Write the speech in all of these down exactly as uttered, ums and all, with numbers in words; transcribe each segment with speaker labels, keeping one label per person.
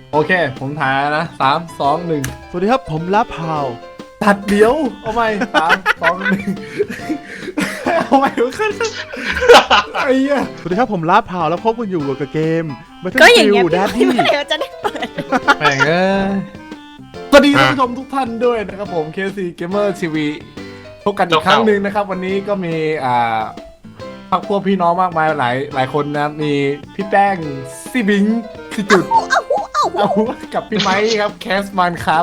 Speaker 1: โอเคผมถ่ายนะสามสองหนึ่ง
Speaker 2: สวัสดีครับผมลาพาว
Speaker 1: ตัดเดี๋ยวเอาใหม่สามสองหนึ่งเอาใหม่ขึ้นไอ้เหี้ย
Speaker 2: สวัสดีครับผมลาพาวแล้วพบกันอยู่กับเกม
Speaker 3: ก็อย่างเงี้ย
Speaker 2: Battlefield
Speaker 3: พี่
Speaker 2: Daddy
Speaker 3: เดี๋ยวจะได้เปิด
Speaker 1: แม่งเอ้ยสวัสดีท่านผู้ชมทุกท่านด้วยนะครับผม เค ซี Gamer ที วี พบกันอีกครั้งหนึ่งนะครับวันนี้ก็มีอ่าพักพวกพี่น้องมากมายหลายหลายคนนะมีพี่แป้งซี่บิงคือจุดเอากับพี่ไม้ครับแคสมันครับ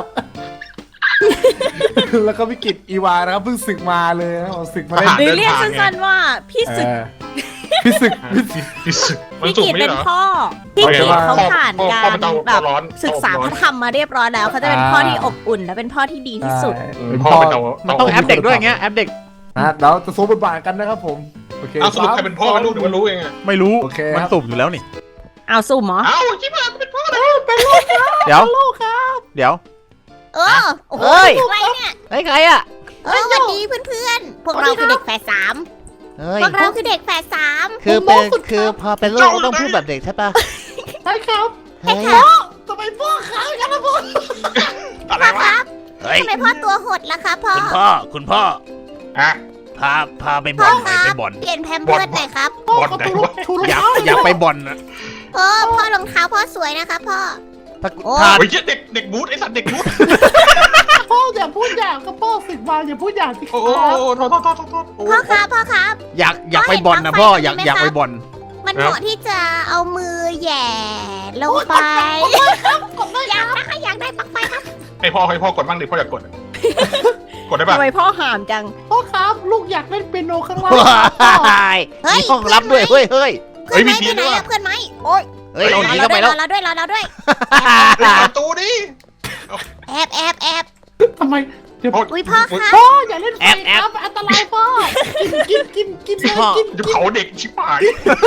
Speaker 1: แล้วก็พี่กิตอีวานะครับเพิ่งศึกมาเลยนะศึกมาได้
Speaker 3: หรือเรียกสั้นๆว่าพี่ศึก
Speaker 1: พี่ศึกพี่ศึก
Speaker 4: พี่ศึกมัน
Speaker 3: พี่
Speaker 4: สุก
Speaker 3: กิต
Speaker 4: ไม่
Speaker 3: เป็น
Speaker 4: เหรอ
Speaker 3: พ่อพี่กิตเขาผ่าน
Speaker 4: พ่อ
Speaker 3: การ
Speaker 4: พ่อเป็นเตา
Speaker 3: แบบ
Speaker 4: ร้อน
Speaker 3: ศึกษาพระธรรมมาเรียบร้อยแล้วเขาจะเป็นพ่อที่อบอุ่นและเป็นพ่อที่ดีที่สุด
Speaker 1: เป็น
Speaker 4: พ่อ
Speaker 1: พ่อ
Speaker 4: เป็นเตา
Speaker 2: มันต้องแอปเด็กด้วยอย่างเงี้ยแอปเด็ก
Speaker 1: นะเราจะโซบทบาทกันนะครับผมโอเค
Speaker 4: เอาสรุปใครเป็นพ่อเป็นลูกหรือว่ารู้เองอะ
Speaker 2: ไม่รู้
Speaker 1: โอเค
Speaker 2: มัน
Speaker 1: ครับ
Speaker 2: สุ่มอยู่แล้วนี่
Speaker 3: เอาสุ่มเหรอ
Speaker 4: เอ้าชิบหายเป็นพ่อเลย
Speaker 2: เดี๋ยวเดี๋ยว
Speaker 3: เออโอ้โห
Speaker 2: เอ้ย
Speaker 3: อะไรเนี่ย
Speaker 2: ไอ้ใครอ่ะ
Speaker 3: เออสวัสดีเพื่อนๆพวกเราคือเด็กแฝดสาม
Speaker 5: เฮ้ย
Speaker 3: พวกเราคือเด็กแฝดสาม
Speaker 5: คือเป็นคือพอเป็นลูกต้องพูดแบบเด็กใช่ปะ
Speaker 1: ใช่ครับ
Speaker 5: เฮ้ย
Speaker 1: ทำไมพ่อค้างกันนะพ่อ
Speaker 4: อะไร
Speaker 3: พ่อคว
Speaker 4: ะ
Speaker 3: รับ
Speaker 5: เฮ้ย
Speaker 3: ทำไมพ่อตัวหดล่ะคะพ่อ
Speaker 5: คุณพ่อคุณพ่อ
Speaker 4: อ่ะ
Speaker 5: พาพาไปบ่
Speaker 3: พ่
Speaker 5: อ
Speaker 3: อน
Speaker 5: ห
Speaker 3: ค
Speaker 5: น่อย
Speaker 3: รั
Speaker 5: ไป
Speaker 3: บ
Speaker 5: บ่อน
Speaker 3: เปลี่ยนแพมเพิร์สหน่อยครับ
Speaker 4: บอลไหนวะ
Speaker 2: อยากอยากไปบ่อนนะ
Speaker 3: พ่อพ่อรองเท้าพ่อสวยนะคะพ่อ
Speaker 2: ถ้า
Speaker 3: โอ้
Speaker 2: ถ้า
Speaker 4: เฮ้ยเด็กเด็กบูธไอ้สัตว์เด็กบูธ
Speaker 1: พ่ออย่าพูดอย่างกับพ่อศึกมาอย่าพูดอย่างที่
Speaker 4: โอ้โหโทษโทษโทษโทษ
Speaker 3: พ่อครับพ่อครับ
Speaker 2: อยากอยากไปบ่อนนะพ่ออยากอยากไปบ่อน
Speaker 3: มันเหมาะที่จะเอามือแหย่ลงไปอยากได้อยากได้ปลั๊กไฟครับ
Speaker 4: ให้พ่อให้พ่อกดบ้างดิพ่ออยากกดกดได้ป่ะ
Speaker 3: ทำไมพ่อหามจัง
Speaker 1: พ่อครับลูกอยากเล่นเปียโนข้างล่าง
Speaker 5: ว้าย
Speaker 3: เฮ้ย
Speaker 5: มีห้องรับด้วยเฮ้ยเฮ้ย
Speaker 3: เพื่อนไหมเพื่อนไหนอะเพื่อนไหมโอ๊ย
Speaker 5: เฮ้ยเราหนี
Speaker 3: รอ
Speaker 5: เข้าไป
Speaker 3: เรา
Speaker 5: แล้ว
Speaker 3: ด้วยรอเราด้วยรอเราด้วย
Speaker 4: ประตูดิ
Speaker 3: แอบแอบแอบ
Speaker 1: ทำไม
Speaker 3: อุ้ยพ่อครับ
Speaker 1: พ่ออย่าเล่นไฟครับอันตรายพ่อกินกินกินกินเลยกิน
Speaker 4: จะเผาเด็กชิบหาย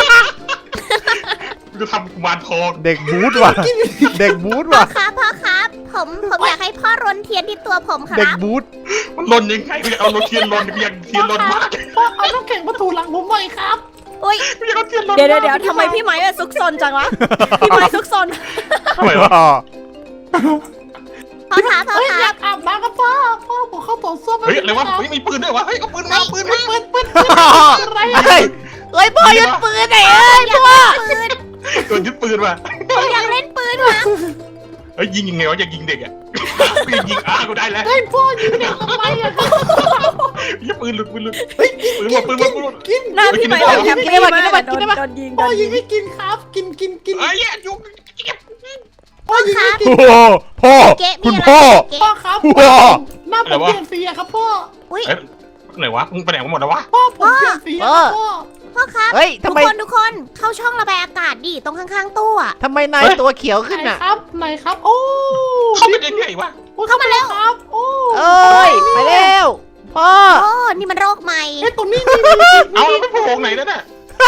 Speaker 4: จะทำกุมารทอง
Speaker 2: เด็กบูธว่ะเด็กบูธ
Speaker 3: พ่อ
Speaker 2: ว่ะ
Speaker 3: ครับพ่อครับผมผมอยากให้พ่อรนเทียนที่ตัวผมค
Speaker 2: เด็ก
Speaker 3: รับ
Speaker 2: บูธ
Speaker 4: มันลนยังไงเอารถเทียนลนยังเทียนลนมาก
Speaker 1: พ่อเอาน้ำแข็งมาถูหลังผมหน่อยครับ
Speaker 3: อุ้ย
Speaker 4: ไม่ใช่รถเทียนลน
Speaker 3: เดี๋ยวเดี๋ยวเดี๋ยวทำไมพี่ไม้อะซุกซนจังวะพี่ไม้ซุกซน
Speaker 4: ทำไมวะ
Speaker 3: พ่อครับพ่อ
Speaker 1: เฮ้ย
Speaker 3: ค
Speaker 1: อ
Speaker 3: รั
Speaker 1: ยา
Speaker 3: บ
Speaker 1: กอาบน้ำกับพ่อพ่อผมเข้าต่อส้วม
Speaker 4: เฮ้ยอะไรวะเฮ้ยมีปืนด้วยวะเฮ้ยเอาปืนมาปืนมา
Speaker 1: ปืนปืนปืนอะไร
Speaker 5: เฮ้ยเฮ้ยพ่อยึดปืนไหนเอ้ย
Speaker 3: อยาก
Speaker 5: พ่อ
Speaker 3: เล่นปืน
Speaker 4: โดนยึดปืนมา
Speaker 3: ผมอยากเล่นปืนว่ะ
Speaker 4: เฮ้ยยิงยังไงวะอยากยิงเด็กอ่ะกูยิงอากูได้แล้ว
Speaker 1: เฮ้ยพ่อยิงเด็กทำไมอะครับ
Speaker 4: ยิงปืนหลุดปืนหลุดเฮ้ยปืนหมดปืนหมดปืนหมด
Speaker 1: กิน
Speaker 3: หน้าพี่ไม้แบบแฮปปี้มากโดนโดนยิงโด
Speaker 1: พ่อน ยิ
Speaker 3: ยิ
Speaker 1: ง
Speaker 3: ง
Speaker 1: ให้กินครับ กินกินกิน
Speaker 4: เอ้ยยุง
Speaker 1: พ่อยิงให้กิน
Speaker 2: โอ้โหพ่อ
Speaker 3: เก๊ะมี
Speaker 2: คุณ
Speaker 3: อะไร
Speaker 2: พ่อ
Speaker 3: เก๊ะ
Speaker 1: พ่อครับ
Speaker 2: พ่อ
Speaker 1: หน้าผมเปลี่ยนสีอะครับพ่อ
Speaker 3: อุ้ย
Speaker 4: เอ้ยไหนวะมึงไปไหนกันหมดแล้ววะ
Speaker 1: พ่อผมเปลี่ยนสีอะครับพ่อ
Speaker 3: พ่อครับ
Speaker 5: เฮ้ย
Speaker 3: ทุ
Speaker 5: ทำ
Speaker 3: ก
Speaker 5: ไม
Speaker 3: คนทุกคนเข้าช่องระบายอากาศดิตรงข้างๆตู้อะ
Speaker 5: ทำไมนายตัวเขียวขึ้น
Speaker 1: ไหน
Speaker 5: อ่ะ
Speaker 1: ครับไหนครับ โอ้
Speaker 4: เข้าไปได้ไงวะ
Speaker 1: เข้ามาแล้วครับ โอ้
Speaker 5: เอ้ยไปเร็วพ่อ
Speaker 3: โอ้นี่มันโรคใหม่
Speaker 1: ไอ้ตัวนี้นี่นี่
Speaker 4: เอาแล้วไปโผล่ไหนนั่นน่ะ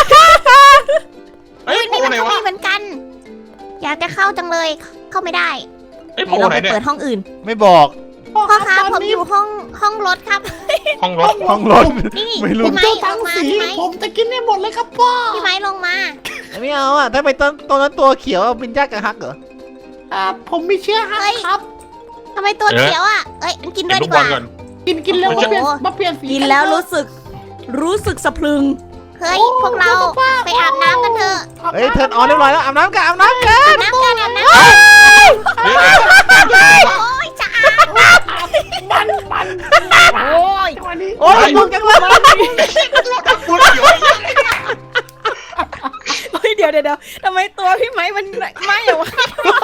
Speaker 4: เฮ้ย
Speaker 3: อุ้ย
Speaker 4: โผล่
Speaker 3: นี่มัน
Speaker 4: ไหน
Speaker 3: ก็
Speaker 4: วะ
Speaker 3: มีเหมือนกัน อยากจะเข้าจังเลย เข้าไม่ได้
Speaker 4: เฮ้ยโผ
Speaker 3: เดี๋ยว
Speaker 4: ล่
Speaker 3: เรา
Speaker 4: ไหน
Speaker 3: ไป
Speaker 4: เนี่ย
Speaker 3: เปิดห้องอื่น
Speaker 2: ไม่บอก
Speaker 3: พ่อครับผมอยู่ห้องห้องรถครับ
Speaker 4: ห้องรถ
Speaker 2: ห้องรถ
Speaker 3: นี่
Speaker 2: ไม่รู้
Speaker 3: พี่ไม้
Speaker 1: เจ้า
Speaker 3: ล
Speaker 1: ทั้ง
Speaker 3: งมา
Speaker 1: สี
Speaker 3: พี่ไม้
Speaker 1: ผมจะกินให้หมดเลยครับพ่อ
Speaker 3: พี่ไม้ลงมา
Speaker 5: ไม่เอาอ่ะถ้าไปตอนตอนนั้นตัวเขียวเป็นยากกับฮักเหรอ
Speaker 1: อ่าผมมีเชื้อฮักครับ
Speaker 3: ทำไมตัวเขียวอ่ะ เอ้ยกินด้
Speaker 4: เห็
Speaker 3: วน ย
Speaker 4: ลู
Speaker 3: ดี
Speaker 4: ก
Speaker 3: ก
Speaker 4: บอล
Speaker 3: ว่า
Speaker 4: ก่อน
Speaker 1: กินกินเร็วมาเปลี่ยนมาเปลี่ยนสี
Speaker 3: กินแล้วรู้สึก รู้สึกสะพรึง เฮ้ยพวกเราไปอาบน้ำกันเถอะ
Speaker 5: เฮ้ยเทิร์นออนเรียบร้อยแล้วอาบน้ำกันอาบน้ำกัน
Speaker 3: อาบน้ำกันอาบน้ำ
Speaker 4: เฮ้ย
Speaker 3: โอ้ยจะอาบ
Speaker 1: มันมัน
Speaker 3: โอ้ย
Speaker 1: วันนี้
Speaker 5: โอ้ยลุกกันเลย
Speaker 4: พูดเกี่ยว
Speaker 3: เฮ้ยเดี๋ยวเดี๋ยวทำไมตัวพี่ไม้มันไม่อะวะ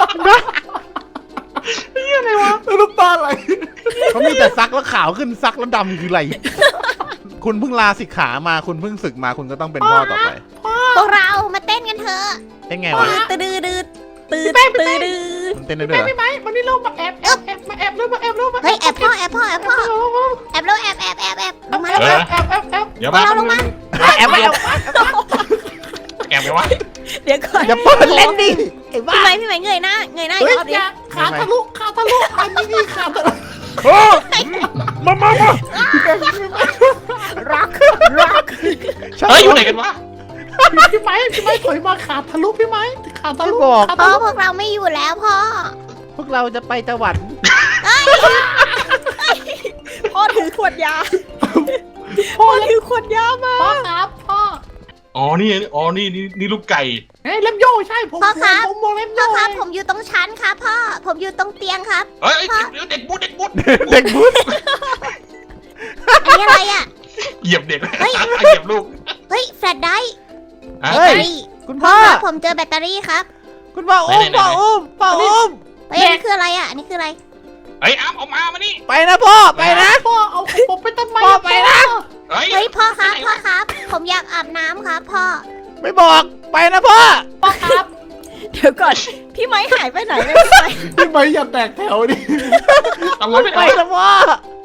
Speaker 1: น้ำตาไหล
Speaker 2: เขามีแต่ซักแล้วขาวขึ้นซักแล้วดำคืออะไร คุณเพิ่งลาสิกขามาคุณเพิ่งศึกมาคุณก็ต้องเป็นพ่อต่อไป
Speaker 3: พวกเรามาเต้นกันเถอะ
Speaker 2: เป็นไงวะ
Speaker 3: ตืดตืดตืดตืดตืด
Speaker 2: มันเต้นได้ด้วยเหรอ
Speaker 1: ไม่ไหมวันนี้เรามาแอบแอบแอบมาแอบเลยมาแอบเลยมา
Speaker 3: เฮ้ยแอบพ่อแอบพ่อแอบพ่อแอบแล้วแอบแอบแอบแอบลงมาแล้ว
Speaker 1: แอบแอบแอบแอบ
Speaker 4: เดี๋ยวมา
Speaker 3: เราลงมา
Speaker 5: แอบแอบ
Speaker 4: แอบไปวะ
Speaker 3: เดี๋ยวก่อน
Speaker 2: อย่าเปิด
Speaker 5: เล่นดิไอ้บ้า
Speaker 3: พี่ไม้พี่ไม้เงยหน้าเงยหน้าอี
Speaker 1: เฮ้ย
Speaker 3: กรอบดิ
Speaker 1: อย่าขาทะลุขาทะลุอันนี้นี่ขาทะลุ
Speaker 2: โอ้มามามา
Speaker 3: ร็อกร็อก
Speaker 4: เฮ้ยอยู่ไหนกันวะ
Speaker 1: พี่ไม้พี่ไม้ถอยมาขาดทะลุพี่ไม้ขาดทะ
Speaker 2: ไม่
Speaker 1: ลุ
Speaker 2: บอก
Speaker 1: ขาด
Speaker 3: พ่
Speaker 1: ทะ
Speaker 3: อ
Speaker 1: ลุ
Speaker 3: พวกเราไม่อยู่แล้วพ่อ
Speaker 2: พวกเราจะไปตะวัน
Speaker 3: พ่อถือขวดยา พ่อถือขวดยามา
Speaker 1: พ่อครับพ่อ
Speaker 4: อ๋อนี่อ๋อนี่นี่นี่ลูกไก่
Speaker 1: เฮ้ยเล็มโย่ใช่ผม
Speaker 3: พ่อครับ
Speaker 1: ผมมองเล็ม
Speaker 3: พ่
Speaker 1: โย่
Speaker 3: อครับผมอยู่ตรงชั้นครับพ่อ ผมอยู่ตรงเตียงครับ
Speaker 4: เฮ้ยเด็กบูดเด็กบูด
Speaker 2: เด็กบุญ
Speaker 3: อันนี้อะไรอ่ะ
Speaker 4: เหยียบเด็ก
Speaker 3: เฮ้ย
Speaker 4: เหยียบลูก
Speaker 3: เฮ้ยแฟลชไดร์
Speaker 4: ฮะ
Speaker 3: แบต
Speaker 2: เฮ้
Speaker 3: เต
Speaker 2: ย
Speaker 3: อรี่
Speaker 2: คุณ
Speaker 3: พ่
Speaker 2: พ่
Speaker 3: อ
Speaker 2: อ
Speaker 3: ครับผมเจอแบตเตอรี่ครับ
Speaker 2: คุณพ่ออุ้ม
Speaker 4: ไหนๆๆ
Speaker 2: พ่ออุ้มพ่ออุ้ม
Speaker 3: เฮ้ยอันนี้คืออะไรอ่ะอันนี้คืออะไร
Speaker 4: เฮ้ยอ้ามเอามามานี่
Speaker 2: ไปนะพ่อไปนะ
Speaker 1: พ่อเอาผมไปต้นไม้
Speaker 2: พ่อไปนะ
Speaker 4: เฮ้ย
Speaker 3: เฮ้ยพ่อครับพ่อครับ ผมอยากอาบน้ำครับพ่อ
Speaker 2: ไม่บอกไปนะพ่อ
Speaker 1: พ่อครับ
Speaker 3: เดี๋ยวก่อน พี่ไม้หายไปไหนเลย
Speaker 1: พี่ไม้อย่าแตกแถวดิ
Speaker 4: ทำไมไม่
Speaker 2: ไป
Speaker 4: ได้
Speaker 2: นะพ่อ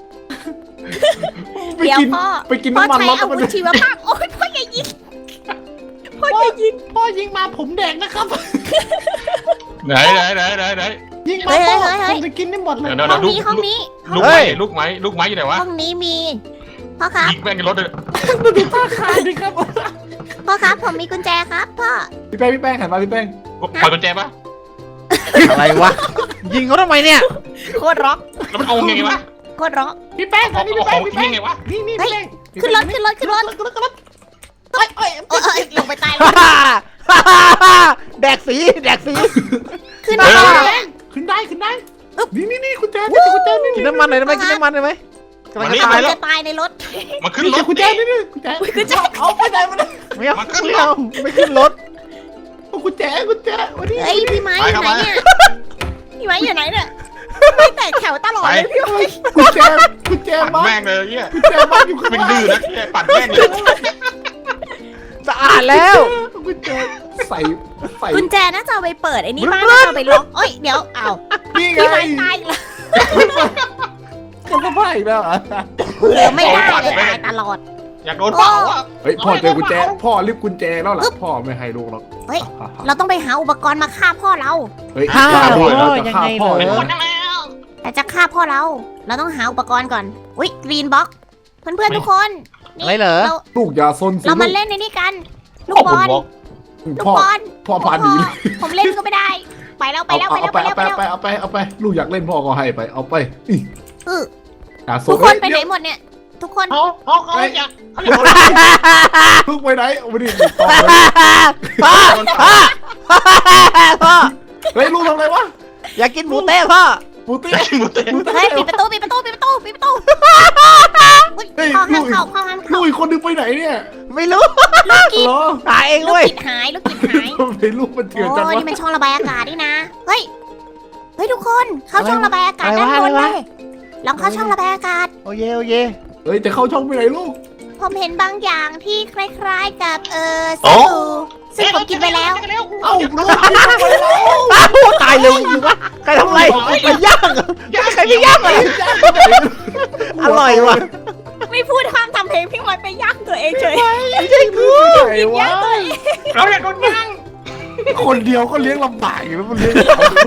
Speaker 1: ไป
Speaker 3: เดี๋ยว
Speaker 1: กิน
Speaker 3: พ่อ
Speaker 1: ไปกิน
Speaker 3: พ่อ
Speaker 1: น้ำมัน
Speaker 3: ใช้
Speaker 1: แล้วก็
Speaker 3: อา
Speaker 1: ไป
Speaker 3: วุธชีวภาพโอ๊ยพ่ออย่ายิงพ่อ
Speaker 1: พ่อ
Speaker 3: อย่ายิง
Speaker 1: พ่อยิงมาผมแดงนะครับ
Speaker 4: ไหนไหนไหนไหนไหน
Speaker 1: ยิงมาพ่อผมจะกินได้หมดเลย
Speaker 4: เดี๋ยว
Speaker 3: ห้องนี้ห้องนี้
Speaker 4: ลูกไม้ลูกไม้ลูกไม้อยู่ไหนวะ
Speaker 3: ห้องนี้มีพ่อครับ
Speaker 4: ยิงแม่งในรถเลย
Speaker 1: ดูท่าคายดิครับ
Speaker 3: พ่อครับผมมีกุญแจครับพ่อ
Speaker 1: พี่แป้งพี่แป้งหันมาพี่แป้ง
Speaker 4: ปล่อยกุญแจปะ
Speaker 2: อะไรวะยิงเขาทำไมเนี่ย
Speaker 3: โคตรร็อก
Speaker 4: แล้วมันเอาไงวะ
Speaker 3: โคตรร็อก
Speaker 1: พี่แป้ง
Speaker 4: เอา
Speaker 1: อันนี้
Speaker 4: เอา
Speaker 1: พี่
Speaker 4: ข
Speaker 1: แป้
Speaker 4: อง ง
Speaker 1: พี่
Speaker 4: ทิ้
Speaker 1: แป้ง
Speaker 4: งไงวะ
Speaker 1: นี่นี่
Speaker 3: เฮ้ย
Speaker 1: พี่แป้ง
Speaker 3: ขึ้นรถขึ้นรถขึ้นรถ
Speaker 1: ขึ้นรถขึ้นรถเอ้ยเอ้ย
Speaker 3: โอ้ยลงไปตาย
Speaker 2: ฮ่า
Speaker 3: แล้ว
Speaker 2: ฮ่าฮ่าฮ่าแดกสีแดกสี
Speaker 3: ขึ้น
Speaker 4: เอ
Speaker 3: มา
Speaker 4: อ
Speaker 3: เลย
Speaker 1: ขึ้นได้ขึ้นได้นี่นี่นี่คุณแจนี่คุณแจนี่
Speaker 2: กินน้ำมันหน่อยได้ไหมกินน้ำมันได้ไหมกำลังจะ
Speaker 3: เอา
Speaker 2: ตายแล้ว
Speaker 3: จะตายในรถ
Speaker 4: มาขึ้น
Speaker 1: นี่
Speaker 4: รถ
Speaker 1: คุณแจนี่นี่คุณแจคุณแจเอาไปไหนมาเนี่ย
Speaker 2: ไม่เอาไม่เอาไม่ขึ้นรถ
Speaker 1: คุณแจคุณแจวันนี้
Speaker 3: เฮ้ยพี่ไม้อยู่ไหนเนี่ยพี่ไม้อยู่ไหนเนี่ยไม่แตกแถวตลอดเลยพี่ไม้
Speaker 1: คุณแจคุณแจ
Speaker 4: ปั่น
Speaker 1: บ้าน
Speaker 4: แม่งเลยเนี่ย
Speaker 1: คุณแจบ้านอยู่ข้าง
Speaker 4: เป็น
Speaker 1: ล่าง
Speaker 4: ดื้อนะเนี่ยปั่นแม่งเลย
Speaker 2: สะอาดแล้ว
Speaker 1: คุณแจใส่ใส่
Speaker 3: กุญแจน่าจะเอาไปเปิดไอ้นี่บ้านน่าจะเอาไปล็อกเอ้ยเดี๋ยวเอา
Speaker 1: นี่ไง
Speaker 3: พี่ไม้ตายแล้ว
Speaker 1: เขาก็พ่ายแล้วอ่ะ
Speaker 3: เหลือไม่ได้เลยตายตลอด
Speaker 4: อยากโดนเป่าอ่ะ
Speaker 1: เฮ้ยพ่อเจอกุญแจพ่อรีบกุญแจแล้วล่ะพ่อไม่ให้ลูกหรอก
Speaker 3: เฮ้ย เราต้องไปหาอุปกรณ์มาฆ่าพ่อเรา
Speaker 1: เฮ้ย
Speaker 2: อ้าว
Speaker 1: ฆ่าด้วยเราจะ
Speaker 2: ยัง
Speaker 1: ฆ่า
Speaker 2: ไง
Speaker 1: พ่อ
Speaker 2: เหรอ
Speaker 1: เลย
Speaker 4: หมดแล้ว
Speaker 3: แต่จะฆ่าพ่อเรา เราต้องหาอุปกรณ์ก่อน อุ้ยกรีนบ็อกเพื่อนๆทุกคนนี่
Speaker 2: อะไรเหรอ
Speaker 3: เรา
Speaker 1: ลูกอย่าซนสิ
Speaker 3: เรามา
Speaker 1: ลูก
Speaker 3: เล่นในนี่กัน ลูกบอล ลูก
Speaker 1: พ่อบ
Speaker 3: อล
Speaker 1: พ่อพาหนีเลย
Speaker 3: ผมเล่นก็ไม่ได้ ไปแล้วไป
Speaker 1: เอา
Speaker 3: แล้วไป
Speaker 1: เอา
Speaker 3: แล้ว
Speaker 1: ไป
Speaker 3: ไป
Speaker 1: เอา
Speaker 3: แล้ว
Speaker 1: ไป
Speaker 3: ไปแล้ว
Speaker 1: เอาไปเอาไปเอาไปลูกอยากเล่นพ่อก็ให้ไปเอาไปอี
Speaker 3: เออ
Speaker 1: อย่าซ
Speaker 3: ทุ
Speaker 1: น
Speaker 3: กคนไปไหน
Speaker 1: เดี๋ยว
Speaker 3: หมดเนี่ย ทุกคน
Speaker 4: เขาเขาเขาอยาก
Speaker 1: ลูกไปไหนเอาไปดิต่อเลย
Speaker 2: พ่อพ่อพ่อ
Speaker 1: เฮ้ยลูกทำอะไรวะ
Speaker 2: อยากกินหมูเต้พ่อ
Speaker 1: ปูตี้
Speaker 4: อยากกินหมูเต้
Speaker 1: ปูตี้
Speaker 3: เฮ้ยปิดประตูปิดประตูปิดประตูปิดประตูอุ๊ย
Speaker 1: เฮ้ย
Speaker 3: พ่อห้าม
Speaker 1: ลูก
Speaker 3: เข้าพ่อห้าม
Speaker 1: ลู
Speaker 3: เข้าก
Speaker 1: อีกคนนึงไปไหนเนี่ย
Speaker 2: ไม่รู้
Speaker 3: ลูกกิด
Speaker 1: เหรอ
Speaker 2: หาเอง
Speaker 3: ลูก
Speaker 2: เว้ย
Speaker 3: กิดหายลูกกิดหาย
Speaker 1: ทำไมลูกมันเถื่อนจัง
Speaker 3: โอ้
Speaker 1: วะ
Speaker 3: นี่มันช่องระบายอากาศนี่นะ เฮ้ย เฮ้ยทุกคนเข้าช่องระบายอากาศด้านบนเลยลองเข้าช่องระบายอากาศ
Speaker 2: โอเยโอเย
Speaker 1: เฮ้ยจะเข้าช่องไปไหนลูก
Speaker 3: ผมเห็นบางอย่างที่คล้ายๆกับเออสตูซึ่งผมกินไปแล้ว
Speaker 1: เอ้าลูก
Speaker 2: อ้าวตายเร็วจริงวะใครทำอะไรไปย่างเหรอใครไปย่างอะไรอร่อยว่ะ
Speaker 3: ไม่พูดห้ามทำเพลงพี่มอยไปย่างตัวเองเฉย
Speaker 1: ไม่ใช่กูไหนวะ
Speaker 4: เราอยากโดนย่าง
Speaker 1: คนเดียวก็เลี้ยงลำบากอยู่แล้วมันเลี้ยงสองคน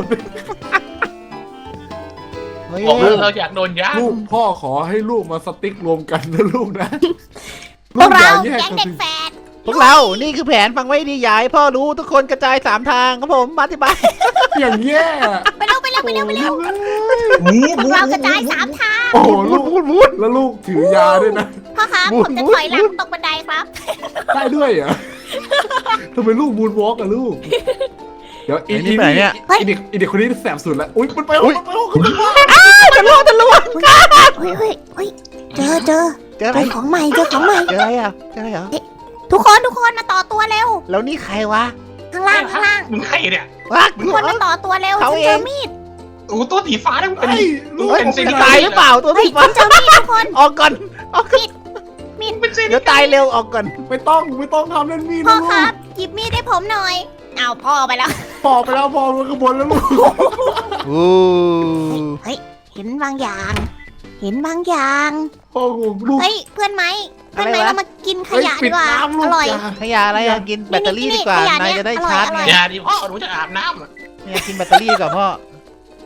Speaker 2: เฮ้ย
Speaker 4: บอกเลยเราอยากโดนย่าง
Speaker 1: ลูกพ่อขอให้ลูกมาสติ๊กรวมกันนะลูกนะ
Speaker 3: พวกเรา
Speaker 1: อย่
Speaker 3: แก๊ง
Speaker 1: น
Speaker 3: เด็ก
Speaker 1: สิ
Speaker 3: แฝด
Speaker 2: พวกเรา นี่คือแผนฟังไว้ดียายพ่อรู้ทุกคนกระจายสามทางครับผมมาที่บ้าน
Speaker 1: อย่างแย่
Speaker 3: ไปเร็วไปเร็วไปเร็วไปเร็ว
Speaker 4: หมู
Speaker 3: พวกเรากระจายสามทาง
Speaker 1: โอ้โห
Speaker 2: วุ้
Speaker 1: ลู
Speaker 2: น
Speaker 1: ก
Speaker 2: วุ้นวุ้น
Speaker 1: แล้วลูกถือยาด้วยนะ
Speaker 3: พ่อครับ
Speaker 2: บู
Speaker 3: ผ
Speaker 2: ด
Speaker 3: มจะ
Speaker 2: บูด
Speaker 3: ถอยหลังตกบันไดครับ
Speaker 1: ได้ด้วยเหรอ่ะทำไมลูกบูนวอล์กอะลูก เดี๋ยวอี
Speaker 2: ไอ้
Speaker 1: อี
Speaker 2: นี่ไปไหนเนี่ย
Speaker 1: อีเด็กอีเด็กคนนี้แสบสุดแล้วอุ้ยมันไป
Speaker 2: อุ๊ย
Speaker 1: มันไปห้องมันไปห้อง
Speaker 2: จะล่วงจะล่วง
Speaker 3: เฮ้ยเฮ้ยเฮ้ยเจอเจอ
Speaker 2: เจออะ
Speaker 3: เจ
Speaker 2: ไร
Speaker 3: อของใหม่เจอของใหม่
Speaker 2: เจออะไรอ่ะเจออะไรเหรอ
Speaker 3: ทุกคนทุกคนมาต่อตัวเร็ว
Speaker 2: แล้วนี่ใครวะ
Speaker 3: ข้างล่างข้างล่าง
Speaker 4: มึงใครเนี่ย
Speaker 2: วะ
Speaker 3: ทุกคนมาต่อตัวเร็ว
Speaker 2: เขา
Speaker 3: ฉัน
Speaker 2: เอ
Speaker 3: เจอง มีด
Speaker 4: โอ้ตัวสีฟ้าได้มันเป็น
Speaker 1: ไอ้ลูก
Speaker 2: เฮ้ย
Speaker 4: เป็นสิ่ง
Speaker 2: จะตายหรือเปล่าตัว
Speaker 3: เฮ้ย
Speaker 2: สีฟ้า
Speaker 3: ฉันเจอมีดทุกคน
Speaker 2: ออกก่อนออกก่อน
Speaker 3: มีด
Speaker 4: เป็นสิ่ง
Speaker 2: เดี๋ยวตายเร็วออกก่อน
Speaker 1: ไม่ต้องไม่ต้องทำเล่นมีด
Speaker 3: พ่อ
Speaker 1: นะลู
Speaker 3: ครั
Speaker 1: ก
Speaker 3: บหยิบมีดให้ผมหน่อยเอาพ่อไปแล้ว
Speaker 1: พอไปแล้วพอมันกระบวนแล้วลูก
Speaker 2: โอ้
Speaker 3: เฮ้ยเห็นบางอย่าง เห็นบางอย่าง
Speaker 1: พ่อของลูก
Speaker 3: เฮ้ยเพื่อนไหมเพื่อนไหมเรามากินขยะ
Speaker 1: เฮ้
Speaker 3: ดีกว่า
Speaker 1: ปิน้ำลู
Speaker 3: อก ร่อย
Speaker 1: อย่า
Speaker 2: ขยะอะไรอะกินแบตเตอรี่ดีกว่า
Speaker 3: นี่นี่
Speaker 2: นายจะได้ชาร์จ
Speaker 3: อร่
Speaker 2: ไง
Speaker 3: อย
Speaker 4: อย่าดิพ่อหนูจะอาบน้ำ
Speaker 2: เนี่ยกินแบตเตอรี่ดีกว่าพ่อ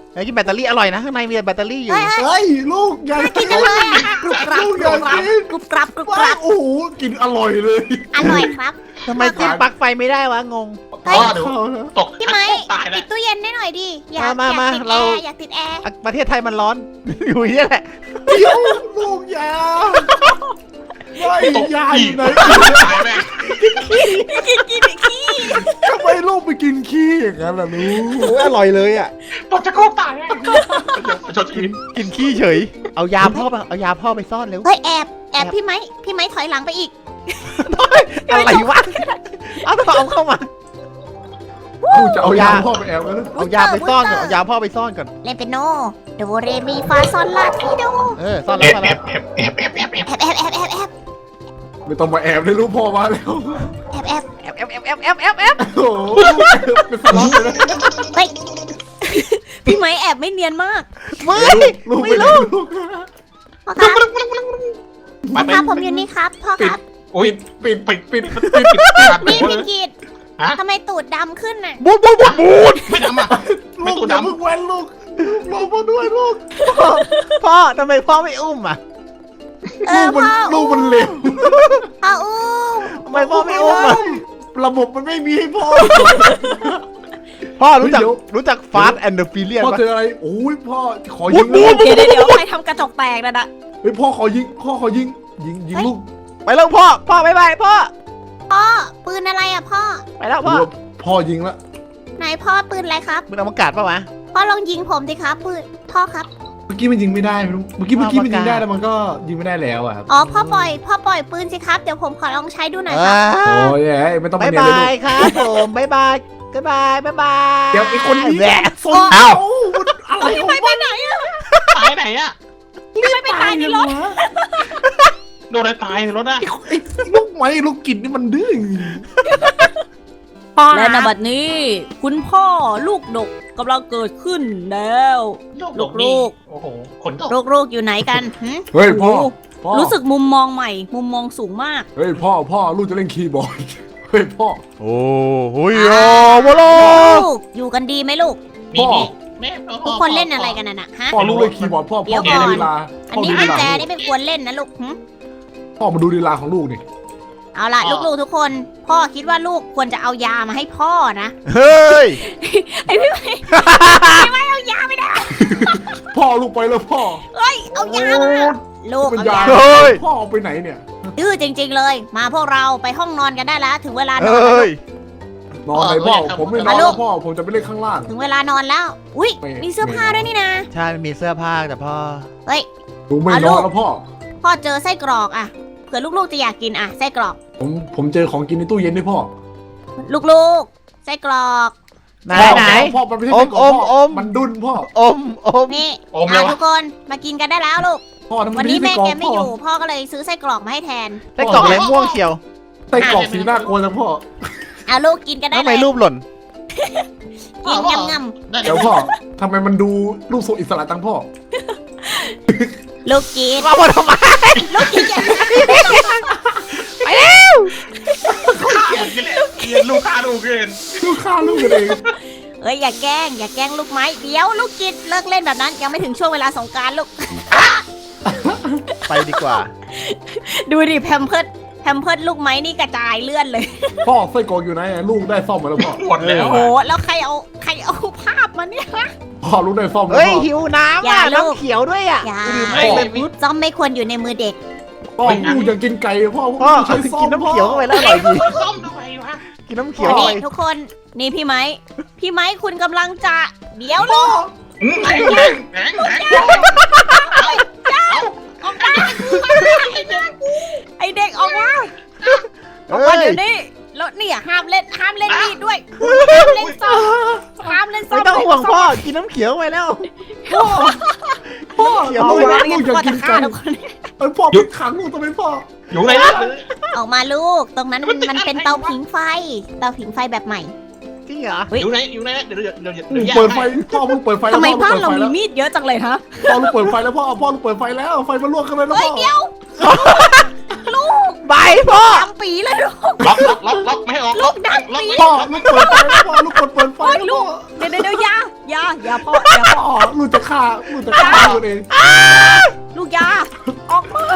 Speaker 5: ไอ้กินแบตเตอรี่อร่อยนะข้างในมีแบตเตอรี่อยู่
Speaker 3: เฮ้ย
Speaker 1: เฮ้ยลูกอย่า
Speaker 3: กินจังเลยอะกรุบกรับ
Speaker 1: ลูก
Speaker 3: ก
Speaker 1: อ
Speaker 3: รุ
Speaker 1: ย่า
Speaker 3: บกรับ
Speaker 1: กิน
Speaker 3: กรุบกรับกรุบก
Speaker 1: ว้า
Speaker 3: รับ
Speaker 1: โอ้โหกินอร่อยเลย
Speaker 3: อร่อยครับ
Speaker 5: ทำไมจิ้มปลั๊กไฟไม่ได้วะงง
Speaker 3: เฮ้ย
Speaker 4: อ๋อเดี๋ยวตก
Speaker 3: พี่ไม้
Speaker 4: ตายแล้
Speaker 3: ปิ
Speaker 4: ว
Speaker 3: ดตู้เย็นได้หน่อยดิอยาก
Speaker 5: มามา
Speaker 3: อยากติด
Speaker 5: เรา
Speaker 3: แอร์อยากติดแอร์
Speaker 5: อ่ะประเทศไทยมันร้อน อยู่นี่แหละ
Speaker 1: เดี๋ยวลูกอย่าไม่ยาอยู่ไหน
Speaker 4: ตายแม่ง
Speaker 3: กินกินขี้
Speaker 1: ทำไมลูกไปกินขี้อย่างนั้นล่ะลูก
Speaker 5: เอออร่อยเลยอ่ะ
Speaker 4: ตกจะโกงตายแม่งชดชีวิต
Speaker 5: กินขี้เฉย เอายาพ่อไปเอายาพ่อไปซ่อนเร็ว
Speaker 3: เฮ้ยแอบแอบพี่ไม้พี่ไม้ถอยหลังไปอีก
Speaker 5: อะไรวะ เอาเอาเอาเข้ามา
Speaker 1: ลูกจะเอายาพ่อไปแอบกันนะ
Speaker 5: เอายาไปซ่อนก่อน เอายาพ่อไปซ่อนก่อน
Speaker 3: เล่นเป็นโนโดเรมีฟาซอนลาทีโด
Speaker 5: เออ ซ่อน
Speaker 4: แอ
Speaker 5: แล้ว
Speaker 4: บ
Speaker 5: ซ่อน
Speaker 4: แอ
Speaker 5: แล้ว
Speaker 4: บแอบแอบแอบแอบแอบ
Speaker 3: แอบแอบแอบแอบแอบ
Speaker 1: ไม่ต้องมาแอบเลยลูกพ่อมาแล้ว
Speaker 3: แอบแอบ
Speaker 5: แอบแอบแอบแอบแอบแอบแอบ
Speaker 1: โอ้โหเป็นสล็อตเลยนะ
Speaker 3: เฮ้ยพี่ไม้แอบไม่เนียนมาก
Speaker 5: ไม่
Speaker 1: ลูก
Speaker 5: ไม่
Speaker 1: ไม่
Speaker 5: รู้
Speaker 1: ลูก
Speaker 3: พ่อครับ
Speaker 4: ไป
Speaker 3: พ่อ
Speaker 4: ไป
Speaker 3: ครับผมอยู่นี่ครับพ่อครับ
Speaker 4: โอ้ย
Speaker 1: ปิดปิดปิด
Speaker 4: ปิดปิดปิด
Speaker 3: นี่พี่กีด
Speaker 4: ฮะ
Speaker 3: ทำไมตูดดำขึ้นน่ะ
Speaker 5: บูดบูดบูดบูด
Speaker 4: ไม่ทำอ่ะ ไม่
Speaker 1: ลูก
Speaker 4: ตัว
Speaker 1: อย่า
Speaker 4: ดำ
Speaker 1: เพิ่งแว้นลูกลูกรอพ่อด้วยลูก
Speaker 5: พ่อทำไมพ่อไม่อุ้มอ่ะ
Speaker 3: เอ
Speaker 1: ลู
Speaker 3: อก
Speaker 1: มัน
Speaker 3: พ่อ
Speaker 1: ลูกมันเร็ว
Speaker 3: พ่ออุ้ม
Speaker 5: ทำไมพ่อไม่อุ้มอ่ะ
Speaker 1: ระบบมันไม่มีให้พ่อ
Speaker 5: พ่อรู้จัก
Speaker 1: เดี๋ยว
Speaker 5: รู้จัก Fast and the Furious
Speaker 1: พ่อ
Speaker 5: ปะ
Speaker 1: เจออะไรโอ้ยพ่อขอ
Speaker 5: บู
Speaker 1: ยิ
Speaker 5: ด
Speaker 1: ง
Speaker 5: บูด
Speaker 3: เดี๋ยวเดี๋ยวเดี๋ยวใครทำกระจกแตกนะนะ
Speaker 1: เฮ้ยพ่อขอยิงพ่อขอยิงยิงยิงลูก
Speaker 5: ไปแล้วพ่อ พ่อบ๊ายบายพ่อ
Speaker 3: พ่อปืนอะไรอ่ะพ่อ
Speaker 5: ไปแล้วพ่อ
Speaker 1: พ่อยิงละ
Speaker 3: ไหนพ่อปืนอะไรครับ
Speaker 5: มึงเอามากาศปะวะ
Speaker 3: พ่อลองยิงผมสิครับปืนพ่อครับ
Speaker 1: เมื่อกี้มันยิงไม่ได้ไม่รู้เมื่อกี้เมื่อกี้มันยิงได้แล้วมันก็ยิงไม่ได้แล้วอ่ะครับ
Speaker 3: อ๋อพ่อปล่อยพ่อปล่อยปืนสิครับเดี๋ยวผมขอลองใช้ดูหน่อยครับ
Speaker 1: โอ้ยเอ้ยไม่ต้อง
Speaker 5: บา
Speaker 1: มาย เนียน
Speaker 5: บา
Speaker 1: เลย
Speaker 5: ยครับผมบายบายบายบายบายบาย
Speaker 1: เดี๋ยวไอ้คนนี้
Speaker 5: แหละ
Speaker 1: ส่ง
Speaker 5: เอ้า
Speaker 1: อะไร
Speaker 3: พี่
Speaker 1: ของ
Speaker 3: ไม้ไปไหนอ่ะ
Speaker 4: ตายไหนอ่ะ
Speaker 3: พี่ไม้ไปตายในรถ
Speaker 4: โดนอะไรตายในรถอ่ะ
Speaker 1: ไอ้ลูกไม้ลูกกินนี่มันดื้อ
Speaker 6: และในบัดนี้ คุณพ่อลูกดกกำลังเกิดขึ้นแล้ว
Speaker 4: โลกนี่โอ้โหขนตก
Speaker 3: ลูกๆอยู่ไหนกันหึ
Speaker 1: เฮ้ยพ่อพ่อ
Speaker 6: รู้สึกมุมมองใหม่ มุมมองสูงมาก
Speaker 1: เฮ้ยพ่อพ่อลูกจะเล่นคีย์บอร์ดเฮ้ยพ่อ
Speaker 5: โอ้โหโอ้โหโล
Speaker 3: ลูกอยู่กันดีไหมลูก
Speaker 4: นี่นี่แม่
Speaker 3: ทุกคนเล่นอะไรกันน่ะนะฮะ
Speaker 1: พ่อลูกเล่นคีย์บอร์ดพ่อ
Speaker 3: เดี๋
Speaker 1: พ่อ
Speaker 3: ยว
Speaker 1: ดู
Speaker 3: ก่อน
Speaker 1: ลีลา
Speaker 3: อัน
Speaker 1: พ่อ
Speaker 3: นี้
Speaker 1: ดู
Speaker 3: กุ
Speaker 1: ลี
Speaker 3: ญ
Speaker 1: ลา
Speaker 3: แจนี่ไม่ควรเล่นนะลูกหึ
Speaker 1: พ่อมาดูลีลาของลูกนี่
Speaker 3: เอาล่ะลูกๆทุกคน พ่อคิดว่าลูกควรจะเอายามาให้พ่อนะ
Speaker 5: เฮ้ย
Speaker 3: ไอพี่ไม้พี่ไม้เอายาไม่ได้
Speaker 1: พ่อลูกไปแล้วพ่อ
Speaker 3: เฮ้ยเอายามาลูก
Speaker 1: เป็น
Speaker 3: เอา
Speaker 1: ยาย
Speaker 3: า
Speaker 5: เฮ้ย
Speaker 1: พ่อเอาไปไหนเนี่ย
Speaker 3: ดื้อจริง ๆ เลย มาพวกเราไปห้องนอนกันได้แล้ว ถึงเวลาน
Speaker 5: เฮ
Speaker 3: อนแล้ว
Speaker 5: ้
Speaker 3: ลู
Speaker 5: ย
Speaker 3: ก
Speaker 1: นอนไหนพ่อผมไม่นอนแล้วพ่อผมจะไปเล่นข้างล่าง
Speaker 3: ถึงเวลานอนแล้ว อุ้ย
Speaker 1: ไม่
Speaker 3: มีเสื้อผ้าด้วยนี่นะ
Speaker 5: ใช่มันมีเสื้อผ้าแต่พ่อ
Speaker 3: เฮ้ย
Speaker 1: หนูไม่นอนแล้วพ่อ
Speaker 3: พ่อเจอไส้กรอกอะเผื่อลูกๆจะอยากกินอะไส้กรอก
Speaker 1: ผมผมเจอของกินในตู้เย็นด้วยพ่อ
Speaker 3: ลูกๆไส้กรอก
Speaker 5: ไหน
Speaker 1: พ่อ
Speaker 5: ไหน
Speaker 1: พ่อมันไม่ใช่
Speaker 5: อม
Speaker 1: ไส้กรอกพ่
Speaker 5: อมอม
Speaker 1: มันดุนพ่อ
Speaker 5: อมอม
Speaker 3: นี่
Speaker 4: อมเล
Speaker 3: อ่ะ
Speaker 4: ยวะ
Speaker 3: ทุกคนมากินกันได้แล้วลูก
Speaker 1: พ่อทำไม
Speaker 3: วันนี้แม่
Speaker 1: ไส้ร
Speaker 3: แก
Speaker 1: อก
Speaker 3: ไม่
Speaker 1: พ่
Speaker 3: อยู่ พ่อก็เลยซื้อไส้กรอกมาให้แทน
Speaker 5: ได้กล่องอะไรม่วงเชียว
Speaker 1: ไส้กรอกสีหน้ากลัวจังพ่อ
Speaker 3: เอาลูกกินกันได้
Speaker 5: ทำ
Speaker 3: เล
Speaker 5: ไม
Speaker 3: ย
Speaker 5: รูปหล่น
Speaker 3: กินงำ
Speaker 4: ได้
Speaker 1: เดี๋ยวพ่อทำไมมันดูลูกทรงอิสระจังพ่อ
Speaker 3: ๆลูกกิน
Speaker 5: มาหมดทำไม
Speaker 3: ลูกกินอย่างนี้
Speaker 4: เกลียดลูกค้าลูกเกิน
Speaker 1: ลูกฆ่าลูกกันเอง
Speaker 3: เอ้ยอย่าแกล้งอย่าแกล้งลูกไม้เดี๋ยวลูกกินเลิกเล่นแบบนั้นยังไม่ถึงช่วงเวลาสงกรารลูก
Speaker 5: ไปดีกว่า
Speaker 3: ดูดิแพมเพิร์ดแพมเพิร์ดลูกไม้นี่กระจายเลื่อนเลย
Speaker 1: พ่อไส้กรอกอยู่ไหนลูกได้ซ่อมมาแล้วพ่อ
Speaker 4: หมดแล้ว
Speaker 3: โอ้โห
Speaker 4: อ่ะ
Speaker 3: แล้วใครเอาใครเอาภาพมาเนี่ย
Speaker 1: พ่อลูกได้ซ่อมแล้ว
Speaker 5: เฮ้ย
Speaker 1: พ่อ
Speaker 5: หิวน้ำ
Speaker 3: อย่า
Speaker 5: อ่ะ
Speaker 3: ลูก
Speaker 5: น้ำเขียวด้วยอ่ะ
Speaker 3: อย่า
Speaker 1: ลืม
Speaker 4: ไอ้
Speaker 1: พ่อ
Speaker 4: เลยมิ
Speaker 3: ซ่อมไม่ควรอยู่ในมือเด็ก
Speaker 1: พ่อลูกอยากกินไก่พ่อ
Speaker 5: พ่อ
Speaker 1: ใช้ซ่อม
Speaker 5: กินน้ำเขียวเข้าไปแล้วอร่อยดี
Speaker 4: ซ่อมทำไมวะ
Speaker 5: กินน้ำเขียว
Speaker 3: วัน
Speaker 5: เข้า
Speaker 3: นี้
Speaker 5: ไป
Speaker 3: ทุกคนนี่พี่ไม้พี่ไม้คุณกำลังจะเดี๋ยวลูก
Speaker 4: อืมแข็งแข็งแข็งแข็ง
Speaker 3: ออกมาไอเด็กออกมาออก
Speaker 5: เฮ้
Speaker 3: มาย เดี๋ยวนี้แล้วเนี่ยห้ามเล่นห้ามเล่นมีดด้วยห้ามเล่นซ่อมห้ามเล่นซ่อ
Speaker 5: ไม่
Speaker 3: ม
Speaker 5: ต้องห่วงพ่อ กินน้ำเขียวไปแล้ว
Speaker 1: พ่อ
Speaker 5: เขียว
Speaker 1: ลูก
Speaker 3: ไม่
Speaker 1: ลูกอยาก
Speaker 3: พ่อ
Speaker 1: กิ
Speaker 3: จะ
Speaker 1: น
Speaker 3: ฆ่า
Speaker 1: ไก่
Speaker 3: ทุกคน
Speaker 1: เอ้ยพ่อไปขังลูกทำไมพ่อ
Speaker 4: อยู่ไหน
Speaker 3: ออกมาลูก ตรงนั้นมันเป็นเตาผิงไฟ เตาผิงไฟแบบใหม่
Speaker 5: จริงเหรอ
Speaker 4: อยู่ไหนอยู่ไหนเดี๋ยวเดี๋ยวเดี๋ยว
Speaker 1: ลู
Speaker 4: เดี๋ยว
Speaker 1: กเปิดไฟพ่อลูกเปิดไฟแล้ว
Speaker 6: ทำไม
Speaker 1: พ่อ
Speaker 6: บ้าน
Speaker 1: ลูก
Speaker 6: เรา
Speaker 1: เปิดไฟแล้ว
Speaker 6: มีมีดเยอะจังเลยฮะ
Speaker 1: พ่อลูกเปิดไฟแล้วพ่อพ่อลูกเปิดไฟแล้วไฟมันลวกกันเลยแล้ว
Speaker 3: เฮ้
Speaker 1: พ่
Speaker 3: ย
Speaker 1: อ
Speaker 3: เดี๋ยว ลูก
Speaker 2: ใบพ่อ
Speaker 3: ดำปีเลยลูก
Speaker 4: ล็อกล็อกล็อกล็อกไม่ให้ออกล็อกล็อกล็อก
Speaker 1: พ่อลูกเปิดไฟพ่อลูกกดเปิดไฟ
Speaker 6: โอ้ยลูกเดี๋ยวเดี๋ยวเดี๋ยวอยาอยาอยาพ่ออยาพ่อ
Speaker 1: พ่อลูกจะฆ่าลูกจะฆ่าตัวเอง
Speaker 6: ลูกอยาออกมือ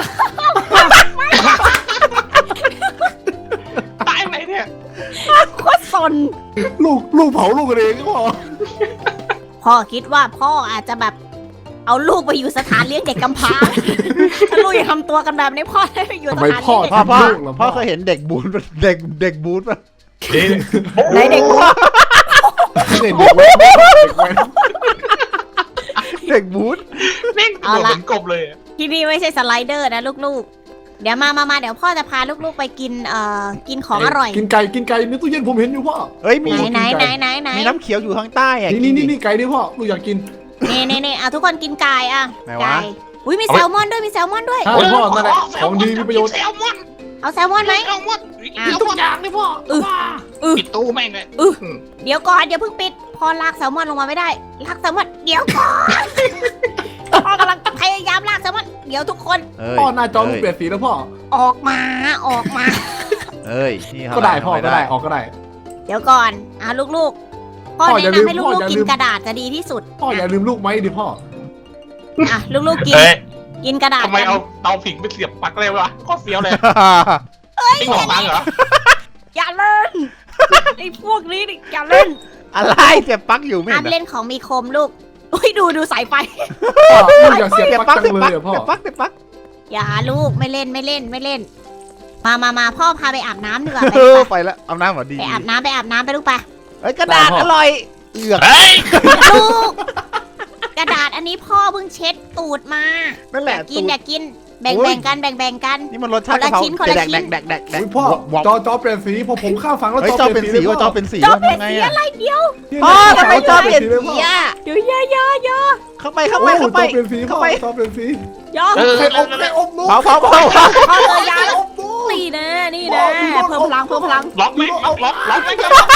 Speaker 4: ตายไหนเนี่ย
Speaker 6: โคตรสน
Speaker 1: ลูกลูกเผาลูกเองพ่อ
Speaker 3: พ่อคิดว่าพ่ออาจจะแบบเอาลูกไปอยู่สถานเลี้ยงเด็กกำพร้า
Speaker 6: ถ้าลูกยังทำตัวกันแบบนี้พ่อได้ไปอยู่ส
Speaker 1: ทำไม
Speaker 6: ถาน
Speaker 1: พ่อ
Speaker 6: เลี้ยงเด็ก
Speaker 2: พ่อพ่อ
Speaker 1: ลูกเหรอ
Speaker 2: พ่อเคยเห็นเด็กบูนปะเด็กเด็กบูนปะ
Speaker 6: ไหนเด็ก
Speaker 1: เด็กเด็กเว้ยเด็กเว้ย
Speaker 2: เด็กบูน
Speaker 4: แม่งตัวเหมือนกบเลย
Speaker 3: ที่นี่ไม่ใช่สไลเดอร์นะลูกๆ เดี๋ยวมามามาเดี๋ยวพ่อจะพาลูกๆไปกินเอ่อกินของอร่อย
Speaker 1: กินไก่กินไก่ในตู้เย็นผมเห็นอยู่พ่อ
Speaker 2: เฮ้ยมี
Speaker 3: ไหนไหนไหนไหนไหน
Speaker 2: มีน้ำเขียวอยู่ข้างใต้อะ
Speaker 1: นี่นี่นี่นี่ไก่นี่พ่อลูกอยากกิน
Speaker 3: นี่นี่นี่เอาทุกคนกินไก่อ่ะ
Speaker 2: ไหนวะ
Speaker 3: ไก่อุ้ยมีแซลมอนด้วยมีแซลมอนด้วย
Speaker 1: ใช่พ่อนั่นแหละของดีมีประโยชน์
Speaker 4: แซลมอน
Speaker 3: เอาแซลมอนไหม
Speaker 4: แซลมอน
Speaker 3: อ่ะ
Speaker 1: ทุกอย่างเลยพ่อ
Speaker 4: ปิดตู้แม่งเลย
Speaker 3: เดี๋ยวก่อนเดี๋ยวเพิ่งปิดพอลากแซลมอนลงมาไม่ได้ลากแซลมอนเดี๋ยวก่อนพ่อกำลังพยายามลากแซลมอนเดี๋ยวทุกคน
Speaker 2: เอ้ย
Speaker 1: พ่อหน้าจอลูกเปลี่ยนสีแล้วพ่อ
Speaker 3: ออกมาออกมา
Speaker 2: เอ้ยนี่เขา
Speaker 1: ก็ได้พ่อ
Speaker 2: ทำ
Speaker 1: ก็
Speaker 2: ม่
Speaker 1: ได้ออกก็ได้
Speaker 3: เดี๋ยวก่อนอ่ะลูกๆพ่อ
Speaker 1: พ่ออย่า
Speaker 3: แนะ
Speaker 1: ลืม
Speaker 3: นำให้
Speaker 1: พ่อ
Speaker 3: ลูก
Speaker 1: อย่า
Speaker 3: ๆกิ
Speaker 1: ลื
Speaker 3: น
Speaker 1: ม
Speaker 3: กระดาษจะดีที่สุด
Speaker 1: พ่ออย่าลืมลูกไหมดิพ่อ
Speaker 3: อ่ะลูกๆกิน
Speaker 4: เฮ้ย
Speaker 3: กินกระดาษ
Speaker 4: ทำไม
Speaker 3: กัน
Speaker 4: เอาเตาผิงไปเสียบปลั๊กเลยวะข้อเสียวเลยนี่หัวฟังเหรอ
Speaker 6: อย่าเล่นไอ้พวกนี้นี่อย่าเล่น
Speaker 2: อะไรเสียบปลั๊กอยู่ไม่
Speaker 3: ห้า
Speaker 2: เห็
Speaker 3: ม
Speaker 2: น
Speaker 3: เล่นของมีคมลูกอุ้ยดูดูสายไฟ
Speaker 1: พ่อลูกอยากเสียบ
Speaker 2: เสียบ
Speaker 1: ป
Speaker 2: ป
Speaker 1: ลั๊
Speaker 2: ลั๊
Speaker 1: ก
Speaker 2: ก
Speaker 1: จั
Speaker 2: เสีย
Speaker 1: ง
Speaker 2: บ
Speaker 1: เล
Speaker 2: ปลั๊ก
Speaker 1: ยอะพ่อ
Speaker 2: เสียบปลั๊กเสียบปลั๊ก
Speaker 3: อย่าลูกไม่เล่นไม่เล่นไม่เล่น มามามาพ่อพาไปอาบน้ำดีกว่าไป
Speaker 2: เออ
Speaker 3: ไป
Speaker 2: ไปแล้วเอาน้ำหมอดี
Speaker 3: ไปอาบน้ำไปอาบน้ำไปลูกไป
Speaker 2: เฮ้ยกระดาษอร่อยเอือก
Speaker 4: เฮ้ย
Speaker 3: ลูก กระดาษอันนี้พ่อเพิ่งเช็ดตูดมา
Speaker 2: นั่นแหละ
Speaker 3: กิน
Speaker 2: ตูด
Speaker 3: อยากกินแบ่ง
Speaker 2: โอ้ย
Speaker 3: แบ่งกันแบ่งแบ่งกัน
Speaker 2: นี่มันรสชาติกะเพรา
Speaker 3: คนละชิ้นคนละ
Speaker 2: แดก
Speaker 3: ชิ้
Speaker 2: แด
Speaker 3: น
Speaker 2: กแดกแดกแดก
Speaker 1: อุ๊ยพ่อ
Speaker 2: วอก
Speaker 1: จอจอเปลี่ยนสีพอผมข้ามฝั่งแล้ว
Speaker 2: เฮ้ย
Speaker 1: จ
Speaker 2: จ
Speaker 1: อ
Speaker 2: อ
Speaker 1: เป
Speaker 2: เป็
Speaker 1: ลี่
Speaker 2: น
Speaker 1: ยนสี
Speaker 2: สี
Speaker 1: เลย
Speaker 2: ว่าจ
Speaker 1: พ่
Speaker 2: อ
Speaker 1: อ
Speaker 2: เป็นสี
Speaker 3: จอ
Speaker 2: ว่า
Speaker 3: เป็น
Speaker 2: ทำไง
Speaker 3: สี
Speaker 2: อะ
Speaker 3: อะไรเดียว
Speaker 2: พ่อทำไมจอเปลี่ยน
Speaker 1: เลยพ่อ
Speaker 3: อย่า
Speaker 6: เดี๋ยวอย่าอย่าอย่า
Speaker 2: เข้าไปเข้าไปเข้าไป
Speaker 1: จอเปลี่ยนสีพ่อ
Speaker 2: เข้าไป
Speaker 1: จอเปลี่ยนสี
Speaker 6: อย่า
Speaker 4: เออ
Speaker 1: ใครอบใครอบลูก
Speaker 2: เผาเผาเผาเผา
Speaker 6: พ่อเจอยาแล้วนี่แน่นี่แน่เพิ่มพลังเพิ่มพลัง
Speaker 4: ล็อกไหมล็อกล็อกล็อกไหม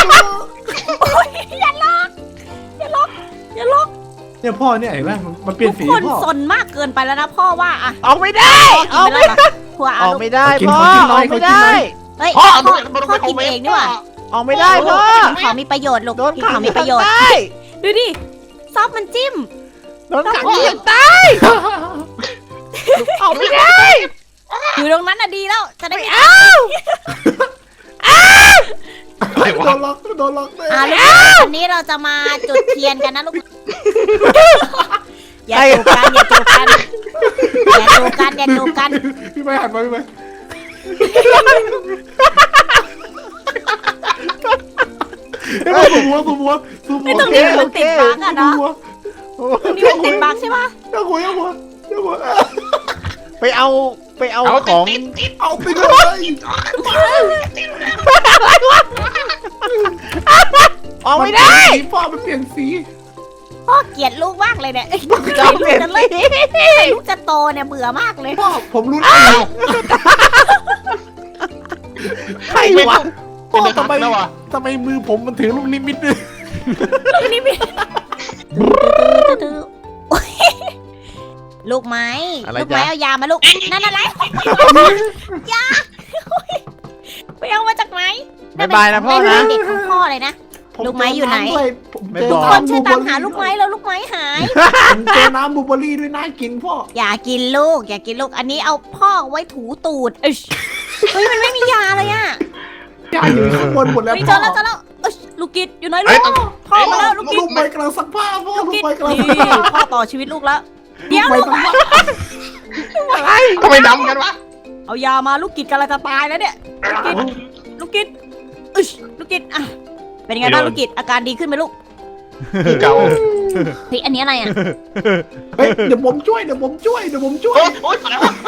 Speaker 6: อย่าล็อกอย่าล็อกอย่าล็อก
Speaker 1: เนี่ยพ่อเนี่ยเห็นไหมมันเปลี่ยนสี
Speaker 6: ทุกคน
Speaker 1: พ่อ
Speaker 6: สนมากเกินไปแล้วนะพ่อว่าอะ
Speaker 2: ออกไม่ได้
Speaker 6: พ่อกิน
Speaker 2: ออก
Speaker 6: ไป
Speaker 2: ไม่
Speaker 6: แล้วเหรอถั่ว
Speaker 2: อ
Speaker 6: เอา
Speaker 2: อก
Speaker 6: ลูก
Speaker 2: ไม่ได้
Speaker 1: กิน
Speaker 2: พ่อ
Speaker 1: ขอกินหน่
Speaker 2: อ
Speaker 1: อ
Speaker 2: อย กไม่
Speaker 1: ขอกินหน่
Speaker 2: ได้
Speaker 1: อย
Speaker 3: เฮ้ย
Speaker 4: พ่อ
Speaker 3: พ่อ
Speaker 4: เอาด้วยมัน
Speaker 3: พ่อ
Speaker 4: ไป
Speaker 3: กินเองดีกว่า
Speaker 2: ออกไม่ได้พ่อ
Speaker 3: กินของมีประโยชน์ลูก
Speaker 2: โดน
Speaker 3: กิน
Speaker 2: ขั
Speaker 3: ข
Speaker 2: ง
Speaker 3: องมีประโยชน์
Speaker 2: ใต้
Speaker 6: ดูดิ
Speaker 3: ซอสมันจิ้ม
Speaker 2: โดนขังที่ใต้ออกไม่ได้
Speaker 6: อยู่ตรงนั้นน่ะดีแล้วจะได้ไม่
Speaker 4: อะไรวะ
Speaker 1: โดนล็อกโดนล็อกเลย
Speaker 3: อ่าลูกวันนี้เราจะมาจุดเทียนกันนะลูก อย่าจูบกันอย่าจูบกันอย่าจูบกันอย่าจูบกัน
Speaker 1: พี่ไม่หันมาพี่ไม่เฮ้ยสูบหัวสูบหัวสูบหัว
Speaker 6: ตรงนี้มันติดบั๊กอะเนาะ
Speaker 1: สูบหัว
Speaker 6: ตรงนี้มันติดบั๊กใช่ปะ
Speaker 1: เจ้าหัวเจ้าหัวเจ้าหัว
Speaker 2: ไปเอาไปเอา
Speaker 4: เอา
Speaker 2: ของ
Speaker 4: ติดติด
Speaker 1: เอาไปเลย
Speaker 2: ออกไม่ได้
Speaker 1: สีพ่อมันเปลี่ยนสี
Speaker 3: พ่อเกลียดลูกมากเลยเนี่ย
Speaker 2: จอเปลี่ยน
Speaker 3: จะเล่
Speaker 2: สี
Speaker 3: นลูกจะโตเนี่ยเบื่อมากเลย
Speaker 1: พ่อผมรู้แล้ว
Speaker 2: ใครวะ
Speaker 1: พ่อ
Speaker 4: เป็น
Speaker 1: ทำไม
Speaker 4: แล้ววะ
Speaker 1: ทำไมมือผมมันถือลูกนิมิตด้วย
Speaker 6: นี่มี
Speaker 3: โอ๊ยลูกไม้ลูกไม้เอายามาลูกนั่นอะไรยาไปเอามาจากไหน
Speaker 2: บายบายนะพ่อนะ
Speaker 3: เด็กของพ่อเลยนะ ลูกไม้อยู่ไหน
Speaker 2: ไม่
Speaker 3: ทุ
Speaker 2: บ
Speaker 3: ก
Speaker 2: อก
Speaker 3: คนช่วยตามหาลูกไม้แล้วลูกไม้หาย
Speaker 1: ผมเจอน้ำบลูเบอร์รี่ด้วยน่ากินพ่อ
Speaker 3: อย่ากินลูก อย่ากินลูก อันนี้เอาพ่อไว้ถูตูด
Speaker 6: เอ้ย
Speaker 3: เฮ้ยมันไม่มียาเลยอะ
Speaker 1: ยาอยู่ข้างบนหมดแล้ว
Speaker 6: นี่
Speaker 1: พ่
Speaker 6: เจ
Speaker 1: อ
Speaker 6: อแล้วเจอแล้วเอ้ยลูกกิดอยู่ไหนลู
Speaker 4: เฮ้ย
Speaker 6: กพ่อมาแล้วลูกกิด
Speaker 1: ลูกไปกำลังซักผ้าพ่อ
Speaker 6: ลูก
Speaker 1: ลูก
Speaker 6: กิด
Speaker 1: ไปกำลัง
Speaker 6: นี่
Speaker 1: ซักผ้า
Speaker 6: พ่อต่อชีวิตลูกแล้วเดี๋ยว
Speaker 1: ไป
Speaker 6: ลูก
Speaker 1: ซักผ้า
Speaker 4: ทำไมดำกันวะ
Speaker 6: เอายามาลูกกิดกำลังจะตายแล้วเนี่ยลูกกิดเอ้ยลูกกิดอ่ะเป็นยังไงบ้างลูกกิดอาการดีขึ้นไหมลูก
Speaker 4: เก่า
Speaker 3: เฮ้ยอันนี้อะไรอะ
Speaker 1: เฮ้ยเดี๋ยวผมช่วยเดี๋ยวผมช่วยเดี๋ยวผมช่วย
Speaker 4: โอ๊ยโอ๊ยอะไรวะ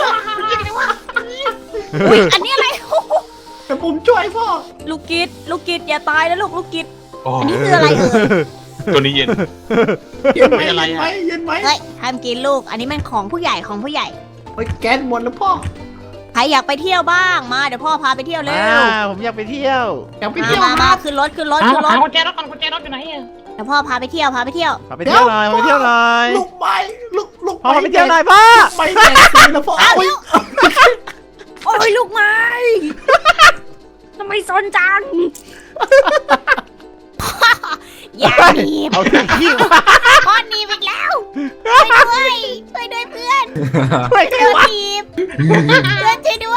Speaker 3: อุ้ยอันนี้อะไร
Speaker 1: เดี๋ยวผมช่วยพ่อ
Speaker 6: ลูกกิดลูกกิดอย่าตายนะลูกลูกกิด
Speaker 3: อันนี้คืออะไรเอ่ย
Speaker 4: ตัวนี้เย็น
Speaker 1: เย็นไหม
Speaker 4: ไม่อะไร
Speaker 1: เย็น
Speaker 4: อะ
Speaker 1: ไหมเย็นไหม
Speaker 3: เฮ้ยห้ามกินลูก อันนี้มันของผู้ใหญ่ของผู้ใหญ่
Speaker 1: เฮ้ยแก๊สหมดแล้วพ่อ
Speaker 3: ใครอยากไปเที่ยวบ้างมาเดี๋ยวพ่อพาไปเที่ยวเร็
Speaker 2: อ่าว ผมอยากไปเที่ยว
Speaker 1: อยากไป
Speaker 3: มา
Speaker 1: เที่ยว
Speaker 3: มามาขึ้นรถขึ้นรถ
Speaker 4: หา
Speaker 3: ขึ้นรถ
Speaker 4: หากุญแจรถก่อนกุญแจรถอยู่ไหนอะ
Speaker 3: เดี๋ยวพ่อพาไปเที่ยวพาไปเที่ยว
Speaker 2: พาไปเที่ยวหน่อยพาไปเที่ยวหน่อย
Speaker 1: ลูกไม้ลูกลูก
Speaker 2: พ่อพาไปเที่ยวหน่อยพ่อ
Speaker 1: ไปแดกสีแล้วพ่อ
Speaker 3: อ้าว
Speaker 1: โอ๊ย
Speaker 6: โอ้ยลูกไม้ ทำไมซนจัง อย่าหนีบ
Speaker 2: เอาถึงขี้มา
Speaker 6: พ่อหนีบอีกแล้ว ช่วยด้วยช่วยด้วยเพื่อน
Speaker 2: ช่วยไง
Speaker 6: เพื่อน
Speaker 2: วะ
Speaker 6: หนีบเพื่อนช่วยด้วย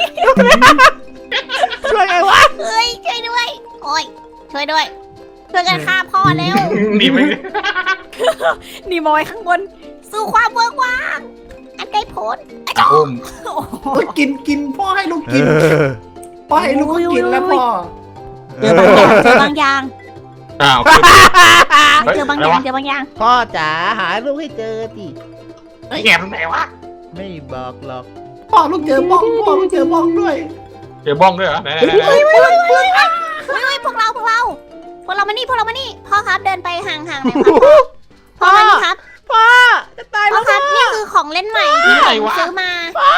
Speaker 2: ช่วยไงวะ
Speaker 6: เฮ้ยช่วยด้วย โอ้ยช่วยด้วย ช่วยกันฆ่าพ่อเร็ว
Speaker 4: หนีไป
Speaker 6: หนีบเอาไว้ข้างบน สู่ความเบิกว่าง อันไกลโพ้น
Speaker 4: อุ้ม
Speaker 1: โอ้ยกินกินพ่อให้ลูกกิน
Speaker 2: เออ
Speaker 1: พ่อให้ลูกก็กินแล้วพ่อ
Speaker 6: เจอบางอย่างเจอบางอย่าง
Speaker 4: อ้าว
Speaker 6: เจอบางอย่างเจอบางอย่าง
Speaker 2: พ่อจ๋าหาลูกให้เจอสิ
Speaker 4: ไอ้แง่ตรงไหนวะ
Speaker 2: ไม่บอกหรอก
Speaker 1: พ่อลูกเจอบ้องพ่อลูกเจอบ้องด้วย
Speaker 4: เจอบ้องด้วยเหรอไหนไหนไหน
Speaker 6: เฮ้ยเฮ้ยเฮ้ยเฮ้ยเฮ้ยเฮ้ยพวกเราพวกเรา พวกเรามานี่พวกเรามานี่ พ่อครับเดินไปห่างๆหน่อยครับพ่อมานี่ครับ
Speaker 2: พ่อจะตาย
Speaker 6: พ่
Speaker 2: แล้
Speaker 6: อ
Speaker 2: ว
Speaker 6: ครับนี่คือของเล่นใหม่ที่ผมซื้อมา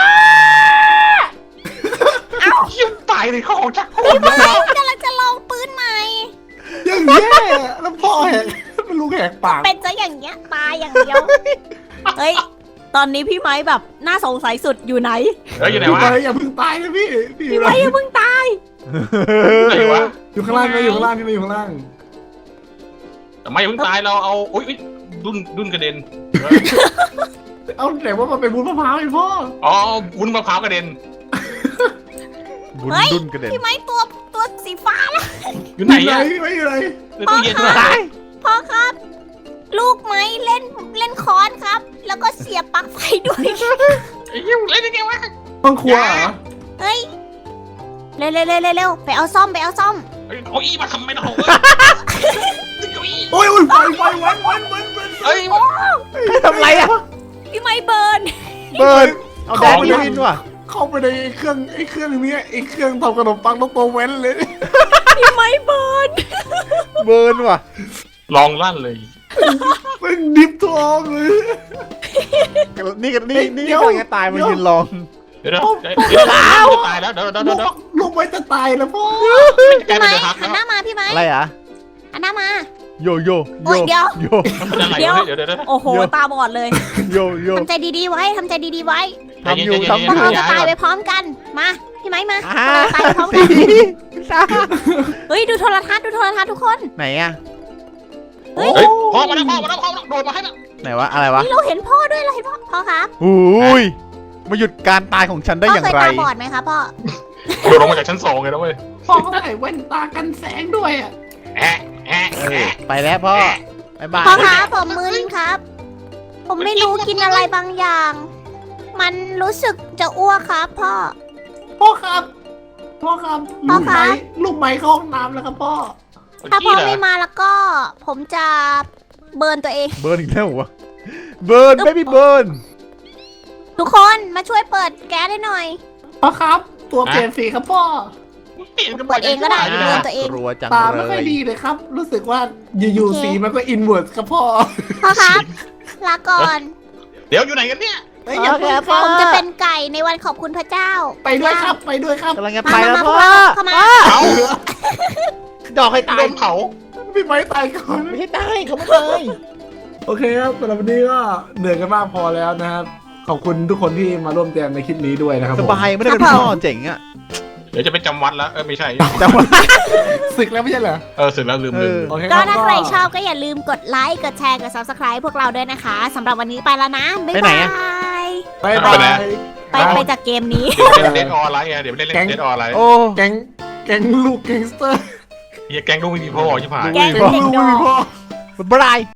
Speaker 4: ยิ้มตายเลยเขาออกจากห้อง
Speaker 6: พี่ไม้กำลังจะลองปืนใหม่
Speaker 1: ยังแย่แล้วพ่อแหกเป็นลูกแหกปาก
Speaker 6: เป็นซะอย่างเงี้ยตายอย่างเดียว เฮ้ย ตอนนี้พี่ไม้แบบน่าสงสัยสุดอยู่ไหน
Speaker 4: เฮ้ยอยู่ไหน
Speaker 1: พี่
Speaker 4: วะ
Speaker 1: ไปอย่าเพิ่งตายนะพี่พี่
Speaker 6: พี่ไม้ยังเพิ่งตาย
Speaker 4: ไหนวะ
Speaker 1: อยู่ข้างล่างนะอยู่ข้างล่างพี่มาอยู่ข้างล่าง
Speaker 4: แต่ไม่เพิ่งตายเราเอาอุ้ยดุนดุนกระเด็น
Speaker 1: เอาแต่ว่ามันเป็นบุญมะพร้าวไอ้พ่อ
Speaker 4: อ๋อวุ้นมะพร้าวกระเด็น
Speaker 2: บุญ
Speaker 6: เฮ้ย
Speaker 2: ดุนกระเด็น
Speaker 6: พี่ไม้ตัวตัวสีฟ้าแล้ว
Speaker 4: อยู่ไหน
Speaker 1: ไหน
Speaker 4: อะ
Speaker 1: ไม่อยู่ไหน
Speaker 4: ในตู้เย็นวะ
Speaker 6: พ่อครับ ลูกไม้เล่นเล่นค้อนครับ แล้วก็เสียบปลั๊กไฟด้วย
Speaker 4: ไอ้ยิ้มเล่นยังไงวะ
Speaker 1: ห้องครัวเหรอ
Speaker 6: เฮ้ย เร็วเร็วเร็วเร็วเร็วไปเอาซ่อมไปเอาซ่อม
Speaker 4: เอาอี้มาทำไม่ได้เหรอ
Speaker 1: โอ้ยโอ้ยไฟไฟวันวันวันวัน
Speaker 4: เฮ้ย
Speaker 2: ทำไรอ่ะ
Speaker 6: พี่ไม้เบิร์น
Speaker 2: เบิร์นเอาแดนไปวินว่ะ
Speaker 1: เข้าไปในเครื่องไอ้เครื่องนี้ไอ้เครื่องทำขนมปังต้องโตเว้นเลย
Speaker 6: พี่ไม้เบิร์น
Speaker 2: เบิร์นว่ะ
Speaker 4: ลองลั่นเลย
Speaker 1: มันดิบทองเลย
Speaker 2: นี่ก็นี่นี่
Speaker 1: เดี๋ยว
Speaker 2: กำลังจะตายมันยืนลอง
Speaker 4: เดี๋ยวเดี๋ยวเดี๋ยวตายแล้วเดี๋ยวเดี๋ยว
Speaker 1: ลู
Speaker 4: เดี๋ยว
Speaker 1: กลูกไว้จะตายแล้วพ่อ
Speaker 4: แก
Speaker 6: พี่
Speaker 4: เป็น
Speaker 6: ไม้
Speaker 4: เดือดฮัก
Speaker 6: หัน
Speaker 4: แล้ว
Speaker 6: หน้ามาพี่ไม้
Speaker 2: อะไรอ่ะ
Speaker 6: หันหน้ามา
Speaker 2: โยโย
Speaker 6: โอ้ยเดี๋ยว
Speaker 2: โย
Speaker 4: มันเป็นอะไรเดี๋ยวเดี๋ยวเดี๋ยว
Speaker 6: โอ้โหตาบอดเลย
Speaker 2: โยโย
Speaker 6: ทำใจดีๆไว้ทำใจดีๆไว้
Speaker 2: ทำอยู่ทำอ
Speaker 6: พวก
Speaker 2: ยู่
Speaker 6: เราจะตายไปพร้อมกัน มา พี่ไม้มา
Speaker 2: อ่า
Speaker 6: พวกเราตายไปพร้อมกั
Speaker 2: สี่
Speaker 6: น
Speaker 2: สาม
Speaker 6: เฮ้ยดูโทรทัศน์ดูโทรทัศน์ทุกคน
Speaker 2: ไหนอ่ะ
Speaker 6: เฮ้ย
Speaker 4: เฮ้ยพ่อมาแล้วพ่อมาแล้วพ่อโดนมาให้แล้ว
Speaker 2: ไหนวะอะไรวะ
Speaker 6: นี่เราเห็นพ่อด้วยเราเห็นพ่อพ่อครับ
Speaker 2: อุ้ยมาหยุดการตายของฉันได้
Speaker 6: พ่อ
Speaker 2: อย่าง
Speaker 6: เคย
Speaker 2: ไร
Speaker 6: ตาบอดไหมครับพ่อ
Speaker 4: โดนลงมาจากชั้นสองเลยนะเว้ย
Speaker 1: พ่อเขาใส่แว่นตากันแสงด้วยอ่ะ
Speaker 4: แอะแอะ
Speaker 2: เออไปแล้วพ่อ บ๊ายบาย
Speaker 6: พ่อครับผมมึนครับ ผมไม่รู้กินอะไรบางอย่าง มันรู้สึกจะอ้วกครับพ่อ
Speaker 1: พ่อครับพ่อครับ
Speaker 6: พ่
Speaker 1: ลู
Speaker 6: อก ครั
Speaker 1: ไม้
Speaker 6: บ
Speaker 1: ลูกไม้เข้าห้องน้ำแล้วครับพ่อ
Speaker 6: ถ้าพ่อ
Speaker 4: เหรอ
Speaker 6: ไม่มาแล้วก็ ผมจะเบิร์นตัวเอง
Speaker 2: เบิร์นอีกแล้วเหรอวะเบิร์นไม่มีเบิร์น
Speaker 6: ทุกคนมาช่วยเปิดแก๊สให้หน่อย
Speaker 1: พ่อครับ ตัวเปลี่ยนสีครับพ่อ
Speaker 4: เปลี่ยนกัน
Speaker 6: เปิดเองก็ได้
Speaker 4: ม่
Speaker 6: เบิร์นตัวเอง
Speaker 2: กลัวจัง
Speaker 1: ตา
Speaker 2: เล
Speaker 1: ไม่ค่อย
Speaker 2: ย
Speaker 1: ดีเลยครับ รู้สึกว่าอยู่
Speaker 6: โอเค
Speaker 1: ๆสีมันก็อินเวิร์สครับพ่อ
Speaker 6: พ่อครับ ลาก่อน
Speaker 4: เดี๋ยวอยู่ไหนกันเนี่ย
Speaker 1: เฮ้ยอย่าเพิ่งค
Speaker 6: ผ
Speaker 1: รับ
Speaker 6: มจะเป็นไก่ในวันขอบคุณพระเจ้า
Speaker 1: ไปด้วยครับไปด้วยครับ
Speaker 2: กำลังจะไปแล้วพ่อ
Speaker 6: เข้ามา
Speaker 4: เผา
Speaker 2: ดอกให้ตาย
Speaker 4: โดนเผา
Speaker 1: พี่ไม้ตายก่อน
Speaker 2: ไม่ใช่ตายเขาไม่ตาย
Speaker 1: โอเคครับสำหรับวันนี้ก็เหนื่อยกันมากพอแล้วนะครับ ขอบคุณทุกคนที่มาร่วมแจมในคลิปนี้ด้วยนะครับ
Speaker 2: ส
Speaker 1: ผม
Speaker 2: บายไม่ได้เป็นพ่อเจ๋งอ่ะ
Speaker 4: เดี๋ยวจะไปจำวัดแล้วเออไม่ใช่
Speaker 2: จังหวะ
Speaker 1: ศึกแล้วไม่ใช่เหรอ
Speaker 4: เออเสร็จแล้วลืมลืม
Speaker 1: โอเคค
Speaker 6: ก็
Speaker 1: รับ
Speaker 6: ถ้าใครชอบก็อย่าลืมกดไลค์ กดแชร์ กด ซับสไครบ์ พวกเราด้วยนะคะสำหรับวันนี้ไปแล้วนะ บ๊าย
Speaker 2: ไปไหน
Speaker 6: บา
Speaker 2: อะ
Speaker 6: ย
Speaker 1: บายบาย
Speaker 6: ไปไปจากเกมนี้
Speaker 4: เล่นเล่นออนไลน์ไงเดี๋ยวเล่นเล่นเล่นออนไลน์
Speaker 2: โอ้
Speaker 1: แก๊งแก๊งลูกแก๊งสเตอร์
Speaker 4: เฮียแก๊งลูกไม่มีพ่อใช่ไหม
Speaker 6: แก๊ง
Speaker 1: แก๊งลูกไม่มีพ่อ
Speaker 2: บ๊ายบาย